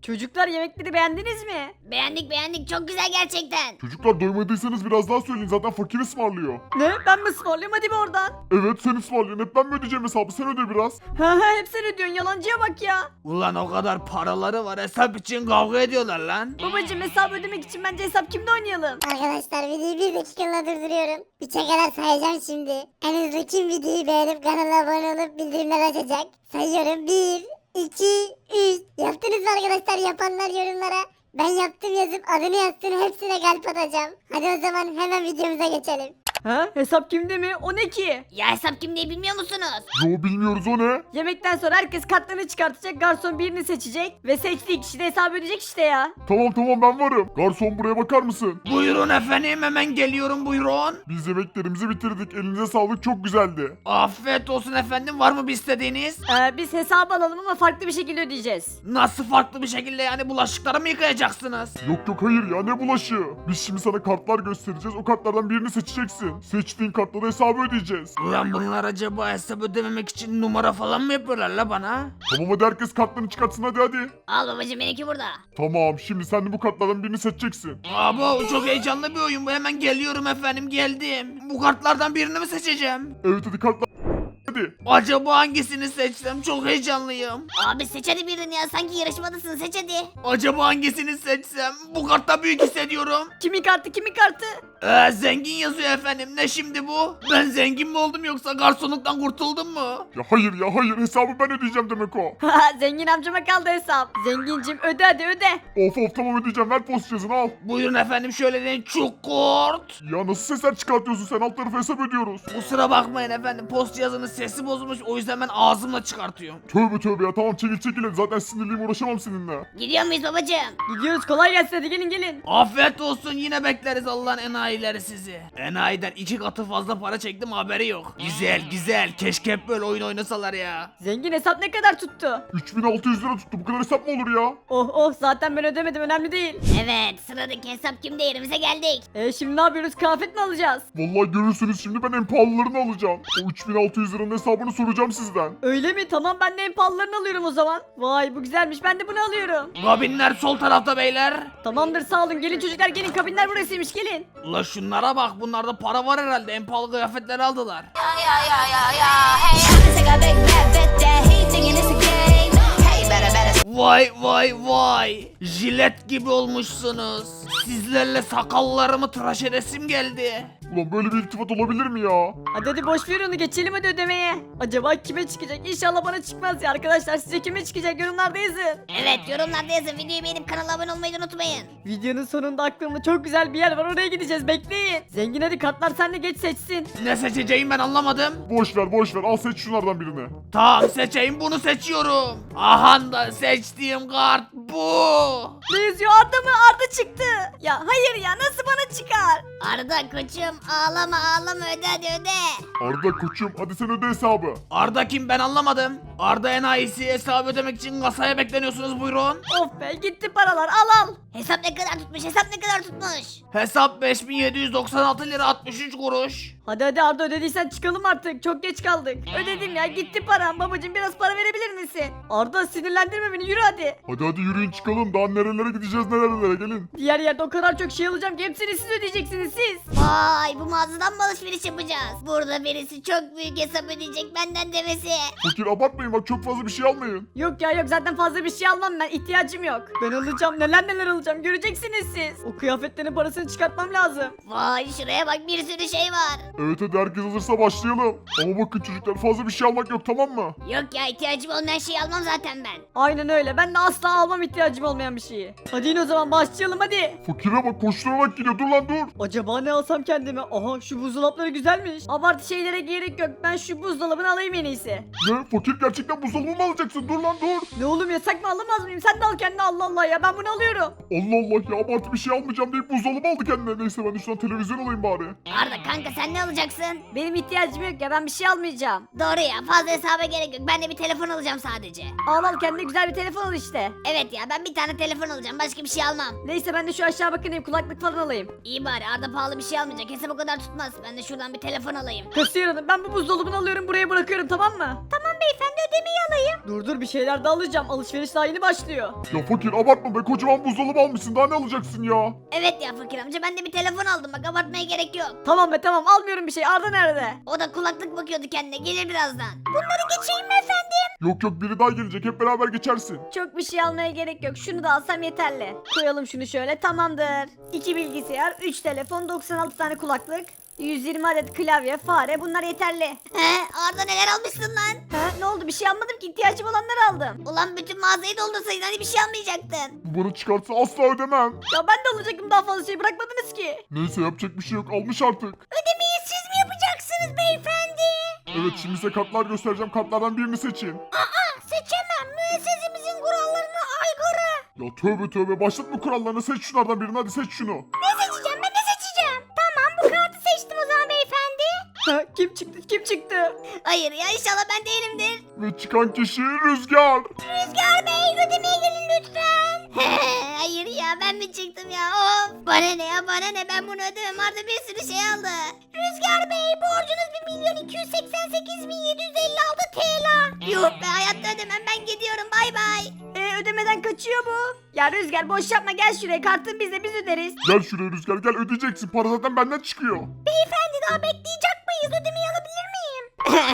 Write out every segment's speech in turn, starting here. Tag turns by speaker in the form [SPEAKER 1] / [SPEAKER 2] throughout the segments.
[SPEAKER 1] Çocuklar yemekleri beğendiniz mi?
[SPEAKER 2] Beğendik çok güzel gerçekten.
[SPEAKER 3] Çocuklar doymadıysanız biraz daha söyleyin, zaten fakir ısmarlıyor.
[SPEAKER 1] Ne? Ben mi ısmarlayayım? Hadi be oradan.
[SPEAKER 3] Evet sen ısmarlıyorsun, hep ben mi ödeyeceğim hesabı, sen öde biraz.
[SPEAKER 1] Ha hep sen ödüyorsun, yalancıya bak ya.
[SPEAKER 4] Ulan o kadar paraları var, hesap için kavga ediyorlar lan.
[SPEAKER 1] Babacım hesabı ödemek için bence hesap kimde oynayalım?
[SPEAKER 2] Arkadaşlar videoyu bir dakikalığına durduruyorum. 3'e kadar sayacağım şimdi. En hızlı kim videoyu beğenip kanala abone olup bildirimler açacak? Sayıyorum 1, 2, 3. Yaptınız mı arkadaşlar? Yapanlar yorumlara ben yaptım yazıp adını yazsın, hepsine kalp atacağım. Hadi o zaman hemen videomuza geçelim.
[SPEAKER 1] Ha hesap kimde mi? O ne ki?
[SPEAKER 2] Ya hesap kim diye bilmiyor musunuz?
[SPEAKER 3] Yo bilmiyoruz, o ne?
[SPEAKER 1] Yemekten sonra herkes kartlarını çıkartacak, garson birini seçecek ve seçtiği kişi de hesabı ödeyecek işte ya.
[SPEAKER 3] Tamam ben varım. Garson buraya bakar mısın?
[SPEAKER 4] Buyurun efendim, hemen geliyorum, buyurun.
[SPEAKER 3] Biz yemeklerimizi bitirdik, elinize sağlık, çok güzeldi.
[SPEAKER 4] Afiyet olsun efendim, var mı bir istediğiniz?
[SPEAKER 1] Biz hesabı alalım ama farklı bir şekilde ödeyeceğiz.
[SPEAKER 4] Nasıl farklı bir şekilde, yani bulaşıkları mı yıkayacaksınız?
[SPEAKER 3] Yok hayır ya, ne bulaşığı. Biz şimdi sana kartlar göstereceğiz, o kartlardan birini seçeceksin. Seçtiğin kartla da hesabı ödeyeceğiz.
[SPEAKER 4] Ulan bunlar acaba hesap ödememek için numara falan mı yapıyorlar la bana?
[SPEAKER 3] Tamam hadi herkes kartlarını çıkartsın, hadi.
[SPEAKER 2] Al babacım, benimki burada.
[SPEAKER 3] Tamam şimdi sen de bu kartlardan birini seçeceksin.
[SPEAKER 4] Abo çok heyecanlı bir oyun bu, hemen geliyorum efendim, geldim. Bu kartlardan birini mi seçeceğim?
[SPEAKER 3] Evet hadi kartlar. Hadi.
[SPEAKER 4] Acaba hangisini seçsem, çok heyecanlıyım.
[SPEAKER 2] Abi seç hadi birini ya, sanki yarışmadasın, seç hadi.
[SPEAKER 4] Acaba hangisini seçsem? Bu kartta büyük hissediyorum.
[SPEAKER 1] Kimin kartı kimin kartı?
[SPEAKER 4] Zengin yazıyor efendim, ne şimdi bu? Ben zengin mi oldum yoksa garsonluktan kurtuldum mu?
[SPEAKER 3] Ya hayır hesabı ben ödeyeceğim demek o.
[SPEAKER 1] Zengin amcama kaldı hesap. Zengincim öde hadi öde.
[SPEAKER 3] Of tamam ödeyeceğim, ver post cihazını al.
[SPEAKER 4] Buyurun efendim, şöyle deyin, çukurt.
[SPEAKER 3] Ya nasıl sesler çıkartıyorsun sen, alt tarafı hesap ödüyoruz.
[SPEAKER 4] Kusura bakmayın efendim, post cihazının sesi bozulmuş, o yüzden ben ağzımla çıkartıyorum.
[SPEAKER 3] Tövbe ya, tamam çekil hadi, zaten sinirliyim, uğraşamam seninle.
[SPEAKER 2] Gidiyor muyuz babacım?
[SPEAKER 1] Gidiyoruz, kolay gelsin, hadi gelin.
[SPEAKER 4] Afiyet olsun, yine bekleriz Allah'ın enayileri sizi. Enayiden 2 katı fazla para çektim, haberi yok. Güzel, keşke hep böyle oyun oynasalar ya.
[SPEAKER 1] Zengin hesap ne kadar tuttu?
[SPEAKER 3] 3600 lira tuttu, bu kadar hesap mı olur ya?
[SPEAKER 1] Oh zaten ben ödemedim, önemli değil.
[SPEAKER 2] Evet, sıradaki hesap kimde, yerimize geldik.
[SPEAKER 1] Şimdi ne yapıyoruz, kıyafet mi alacağız?
[SPEAKER 3] Vallahi görürsünüz şimdi, ben en pahalılarını alacağım. O 3600 liranın hesabını soracağım sizden.
[SPEAKER 1] Öyle mi? Tamam, ben de en pahalılarını alıyorum o zaman. Vay bu güzelmiş, ben de bunu alıyorum.
[SPEAKER 4] Kabinler sol tarafta beyler.
[SPEAKER 1] Tamamdır, sağ olun, gelin çocuklar gelin, kabinler burasıymış, gelin.
[SPEAKER 4] Ula şunlara bak, bunlarda para var herhalde, en pahalı kıyafetleri aldılar. Vay, jilet gibi olmuşsunuz. Sizlerle sakallarımı tıraş edesim geldi.
[SPEAKER 3] Ulan böyle bir iltifat olabilir mi ya?
[SPEAKER 1] Hadi boş ver onu, geçelim hadi ödemeye. Acaba kime çıkacak? İnşallah bana çıkmaz ya arkadaşlar, size kime çıkacak yorumlarda yazın.
[SPEAKER 2] Evet, yorumlarda yazın, videoyu beğenip kanala abone olmayı da unutmayın.
[SPEAKER 1] Videonun sonunda aklımda çok güzel bir yer var, oraya gideceğiz, bekleyin. Zengin hadi, kartlar sen de geç seçsin.
[SPEAKER 4] Ne seçeceğim ben anlamadım.
[SPEAKER 3] Boş ver, al seç şunlardan birini.
[SPEAKER 4] Tamam seçeyim, bunu seçiyorum. Aha da seçtiğim kart bu.
[SPEAKER 1] Ne yazıyor, Arda mı? Arda çıktı. Ya hayır ya, nasıl bana çıkar?
[SPEAKER 2] Arda koçum, ağlama öde hadi öde.
[SPEAKER 3] Arda koçum, hadi sen öde hesabı.
[SPEAKER 4] Arda kim, ben anlamadım. Arda enayisi, hesabı ödemek için kasaya bekleniyorsunuz, buyurun.
[SPEAKER 1] Of be, gitti paralar, al.
[SPEAKER 2] Hesap ne kadar tutmuş, hesap ne kadar tutmuş?
[SPEAKER 4] Hesap 5796 lira 63 kuruş.
[SPEAKER 1] Hadi Arda, ödediysen çıkalım artık, çok geç kaldık. Ödedim ya, gitti param. Babacım biraz para verebilir misin? Arda sinirlendirme beni, yürü hadi.
[SPEAKER 3] Hadi yürüyün çıkalım, daha nerelere gideceğiz, nerelere, gelin.
[SPEAKER 1] Diğer yerde o kadar çok şey alacağım ki hepsini siz ödeyeceksiniz siz.
[SPEAKER 2] Vay, bu mağazadan mı alışveriş yapacağız? Burada birisi çok büyük hesap ödeyecek, benden demesi.
[SPEAKER 3] Fakir abartmayın bak, çok fazla bir şey almayın.
[SPEAKER 1] Yok ya yok, zaten fazla bir şey almam ben, ihtiyacım yok. Ben alacağım, neler alacağım, göreceksiniz siz. O kıyafetlerin parasını çıkartmam lazım.
[SPEAKER 2] Vay, şuraya bak, bir sürü şey var.
[SPEAKER 3] Evet hadi herkes hazırsa başlayalım. Ama bakın çocuklar, fazla bir şey almak yok, tamam mı?
[SPEAKER 2] Yok ya, ihtiyacım olmayan şeyi almam zaten ben.
[SPEAKER 1] Aynen öyle, ben de asla almam ihtiyacım olmayan bir şeyi. Hadi yine o zaman başlayalım hadi.
[SPEAKER 3] Fakire bak, koşturarak gidiyor, dur lan dur.
[SPEAKER 1] Acaba ne alsam kendime? Aha, şu buzdolapları güzelmiş. Abartı şeylere gerek yok, ben şu buzdolabını alayım en iyisi.
[SPEAKER 3] Ne, fakir gerçekten buzdolabı mı alacaksın, dur lan dur.
[SPEAKER 1] Ne oğlum, yasak mı, alamaz mıyım? Sen de al kendine, Allah Allah ya, ben bunu alıyorum.
[SPEAKER 3] Allah ya, abartı bir şey almayacağım deyip buzdolabı aldı kendine. Neyse ben de şuradan televizyon alayım bari.
[SPEAKER 2] Arda kanka, sen ne alacaksın?
[SPEAKER 1] Benim ihtiyacım yok ya, ben bir şey almayacağım.
[SPEAKER 2] Doğru ya, fazla hesaba gerek yok, ben de bir telefon alacağım sadece.
[SPEAKER 1] Al kendine güzel bir telefon al işte.
[SPEAKER 2] Evet ya, ben bir tane telefon alacağım, başka bir şey almam.
[SPEAKER 1] Neyse ben de şu aşağı bakayım, kulaklık falan alayım.
[SPEAKER 2] İyi bari, Arda pahalı bir şey almayacak, hesap o kadar tutmaz. Ben de şuradan bir telefon alayım.
[SPEAKER 1] Kasiyer hanım, ben bu buzdolabını alıyorum, buraya bırakıyorum, tamam mı?
[SPEAKER 2] Tamam beyefendi, ödemeyi alayım.
[SPEAKER 1] Dur bir şeyler de alacağım. Alışveriş daha yeni başlıyor.
[SPEAKER 3] Ya fakir abartma be, kocaman buzdolabı almışsın, daha ne alacaksın ya?
[SPEAKER 2] Evet ya fakir amca, ben de bir telefon aldım, bak abartmaya gerek yok.
[SPEAKER 1] Tamam be tamam, almıyorum bir şey. Arda nerede?
[SPEAKER 2] O da kulaklık bakıyordu kendine, gelir birazdan. Bunları geçeyim mi efendim?
[SPEAKER 3] Yok biri daha gelecek, hep beraber geçersin.
[SPEAKER 1] Çok bir şey almaya gerek yok. Şunu da alsam yeterli. Koyalım şunu şöyle, tamamdır. 2 bilgisayar, 3 telefon, 96 tane kulaklık, 120 adet klavye, fare, bunlar yeterli.
[SPEAKER 2] He, Arda neler almışsın lan?
[SPEAKER 1] Ha, ne oldu, bir şey almadım ki, ihtiyacım olanları aldım.
[SPEAKER 2] Ulan bütün mağazayı doldursaydın, hani bir şey almayacaktın.
[SPEAKER 3] Bu bana çıkarsa asla ödemem.
[SPEAKER 1] Ya ben de alacaktım, daha fazla şey bırakmadınız ki.
[SPEAKER 3] Neyse yapacak bir şey yok, almış artık.
[SPEAKER 2] Ödemeyi siz mi yapacaksınız beyefendi?
[SPEAKER 3] Evet şimdi size kartlar göstereceğim, kartlardan birini seçin.
[SPEAKER 2] Seçemem, müessesemizin kurallarına aykırı.
[SPEAKER 3] Ya tövbe başlatma kurallarını, seç şunlardan birini, hadi seç şunu.
[SPEAKER 2] Ne seçeceğim, ben ne seçeceğim? Tamam, bu kartı seçtim o zaman beyefendi.
[SPEAKER 1] Ha, kim çıktı?
[SPEAKER 2] Hayır ya, inşallah ben değilimdir.
[SPEAKER 3] Ve çıkan kişi Rüzgar.
[SPEAKER 2] Rüzgar Bey, ödemeye gelin lütfen. Hayır ya, ben mi çıktım ya, of. Bana ne ya, bana ne, ben bunu ödemem, Arda bir sürü şey aldı. Rüzgar Bey, borcunuz 1.288.756 TL. Yuh be, hayatta ödemem, ben gidiyorum, bay bay.
[SPEAKER 1] Ödemeden kaçıyor bu. Ya Rüzgar boş yapma, gel şuraya, kartın bizde, biz öderiz.
[SPEAKER 3] Gel şuraya Rüzgar, gel ödeyeceksin, para zaten benden çıkıyor.
[SPEAKER 2] Beyefendi, daha bekleyecek miyiz, ödemeyi alabilir miyim?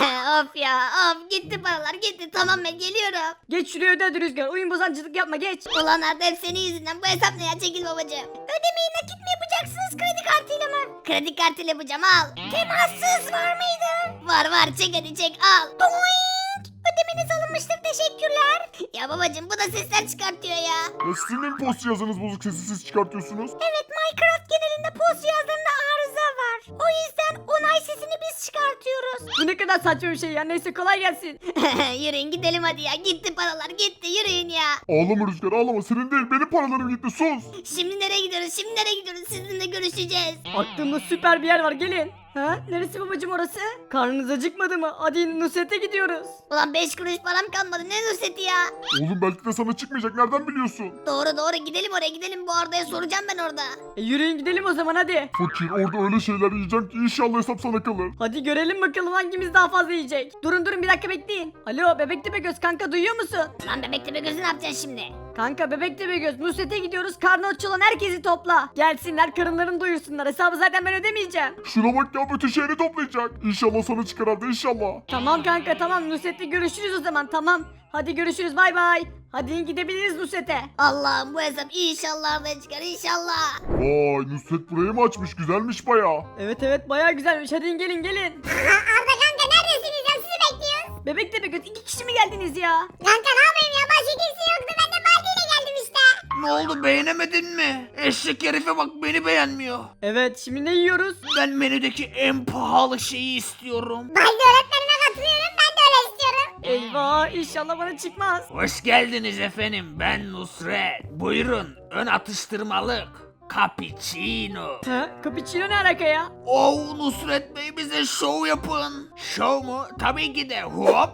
[SPEAKER 2] Of ya, of, gitti paralar gitti, tamam ben geliyorum.
[SPEAKER 1] Geç şuraya, öde hadi Rüzgar, oyun bozancılık yapma, geç.
[SPEAKER 2] Ulan Arda, hep senin yüzünden, bu hesap ne ya, çekil babacığım. Ödemeyi nakit mi yapacaksınız, kredi kartıyla mı? Kredi kartıyla yapacağım, al. Temassız var mıydı? Var, çek hadi çek, al. Doink! Ödemeniz alınmıştır, teşekkürler. Ya babacığım, bu da sesler çıkartıyor ya.
[SPEAKER 3] Ya sizin de mi post cihazınız bozuk, sesi siz çıkartıyorsunuz?
[SPEAKER 2] Evet, Minecraft genelinde post cihazlarında arıza var. O yüzden onay sesini biz çıkartıyoruz.
[SPEAKER 1] Bu ne kadar saçma bir şey ya, neyse kolay gelsin.
[SPEAKER 2] Yürüyün gidelim hadi ya, gitti paralar gitti, yürüyün ya.
[SPEAKER 3] Ağlama Rüzgar ağlama, senin değil benim paralarım gitti, sus.
[SPEAKER 2] Şimdi nereye gidiyoruz, sizinle görüşeceğiz.
[SPEAKER 1] Aklımda süper bir yer var, gelin. Ha? Neresi babacım orası? Karnınız acıkmadı mı? Hadi Nusret'e gidiyoruz.
[SPEAKER 2] Ulan 5 kuruş param kalmadı, ne Nusret'i ya.
[SPEAKER 3] Oğlum belki de sana çıkmayacak, nereden biliyorsun?
[SPEAKER 2] Doğru, gidelim oraya, gidelim, bu Arda'ya soracağım ben orada.
[SPEAKER 1] Yürüyün gidelim o zaman hadi.
[SPEAKER 3] Fakir orada öyle şeyler yiyeceğim ki inşallah hesap sana kalır.
[SPEAKER 1] Hadi görelim bakalım hangimiz daha fazla yiyecek. Durun bir dakika bekleyin. Alo Bebek Tepegöz kanka, duyuyor musun?
[SPEAKER 2] Lan bebek tepe gözü ne yapacaksın şimdi?
[SPEAKER 1] Kanka Bebek Tepegöz, Nusret'e gidiyoruz, karnı aç olan herkesi topla. Gelsinler, karınlarını doyursunlar, hesabı zaten ben ödemeyeceğim.
[SPEAKER 3] Şuna bak ya, bütün şehri toplayacak. İnşallah sana çıkar Arda, inşallah.
[SPEAKER 1] Tamam kanka tamam, Nusret'le görüşürüz o zaman, tamam. Hadi görüşürüz, bay bay. Hadi gidebiliriz Nusret'e.
[SPEAKER 2] Allah'ım, bu hesap inşallah Arda'ya çıkar, inşallah.
[SPEAKER 3] Vay Nusret burayı mı açmış, güzelmiş baya.
[SPEAKER 1] Evet bayağı güzelmiş, hadi gelin.
[SPEAKER 2] Arda kanka, neredesiniz ya, sizi bekliyoruz.
[SPEAKER 1] Bebek Tepegöz, 2 kişi mi geldiniz ya?
[SPEAKER 2] Kanka ne yapayım ya, başka kimse yoktu, ben de Baldi'yle geldim işte.
[SPEAKER 4] Ne oldu, beğenemedin mi? Eşek herife bak, beni beğenmiyor.
[SPEAKER 1] Evet, şimdi ne yiyoruz?
[SPEAKER 4] Ben menüdeki en pahalı şeyi istiyorum.
[SPEAKER 2] Baldi öğretmenime katılıyorum, ben de öyle istiyorum.
[SPEAKER 1] Eyvah, inşallah bana çıkmaz.
[SPEAKER 4] Hoş geldiniz efendim, ben Nusret. Buyurun, ön atıştırmalık. Cappuccino.
[SPEAKER 1] Ha? Cappuccino ne alaka ya?
[SPEAKER 4] Oh Nusret Bey, bize şov yapın. Şov mu? Tabii ki de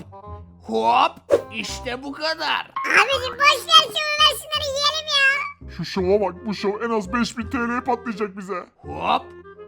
[SPEAKER 4] hop. İşte bu kadar.
[SPEAKER 2] Abicim boş ver şunu, ver şunları yiyelim ya.
[SPEAKER 3] Şu şova bak, bu şov en az 5000 TL'ye patlayacak bize.
[SPEAKER 4] Hop.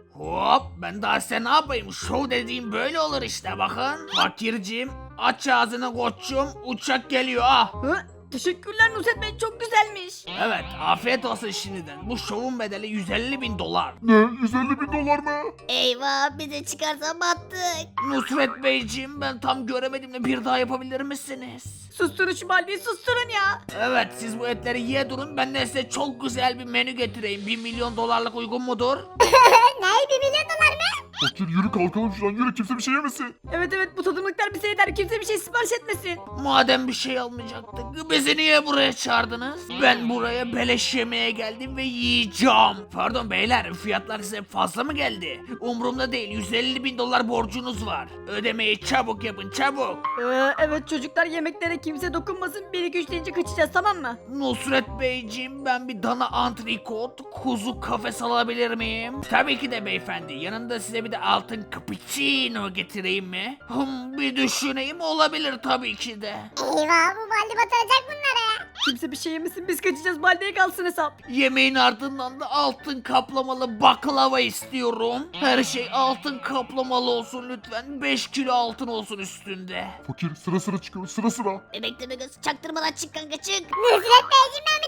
[SPEAKER 4] Ben daha size ne yapayım? Şov dediğim böyle olur işte, bakın. Fakirciğim, aç ağzını koçum, uçak geliyor ah.
[SPEAKER 1] Ha? Teşekkürler Nusret Bey, çok güzelmiş.
[SPEAKER 4] Evet, afiyet olsun şimdiden. Bu şovun bedeli 150.000 dolar.
[SPEAKER 3] Ne, 150.000 dolar mı?
[SPEAKER 2] Eyvah, bize çıkarsa battık.
[SPEAKER 4] Nusret Beyciğim, ben tam göremedim de bir daha yapabilir misiniz?
[SPEAKER 1] Susturun şu Baldi'yi, susturun ya.
[SPEAKER 4] Evet, siz bu etleri yiye durun, ben de size çok güzel bir menü getireyim. 1 milyon dolarlık uygun mudur?
[SPEAKER 2] Ne, 1 milyon dolar mı?
[SPEAKER 3] Fakir yürü kalkalım şuradan, yürü, kimse bir şey yemesin.
[SPEAKER 1] Evet bu tadımlıklar bize yeter, kimse bir şey sipariş etmesin.
[SPEAKER 4] Madem bir şey almayacaktık, bizi niye buraya çağırdınız? Ben buraya beleş yemeye geldim ve yiyeceğim. Pardon beyler, fiyatlar size fazla mı geldi? Umurumda değil, 150.000 dolar borcunuz var. Ödemeyi çabuk yapın, çabuk.
[SPEAKER 1] Evet çocuklar, yemeklere kimse dokunmasın, 1-2-3 deyince kaçacağız, tamam mı?
[SPEAKER 4] Nusret Beyciğim, ben bir dana antrikot, kuzu kafes alabilir miyim? Tabii ki de beyefendi, yanında size bir de altın cappuccino getireyim mi? Bir düşüneyim, olabilir tabii ki de.
[SPEAKER 2] Eyvah, bu Baldi batıracak bunları.
[SPEAKER 1] Kimse bir şey yemesin biz kaçacağız Baldi'ye kalsın hesap.
[SPEAKER 4] Yemeğin ardından da altın kaplamalı baklava istiyorum. Her şey altın kaplamalı olsun lütfen. 5 kilo altın olsun üstünde.
[SPEAKER 3] Fakir sıra sıra çıkıyor sıra sıra.
[SPEAKER 2] Bebek Tepegöz çaktırmadan çık kanka çık. Nusret Beyciğim ben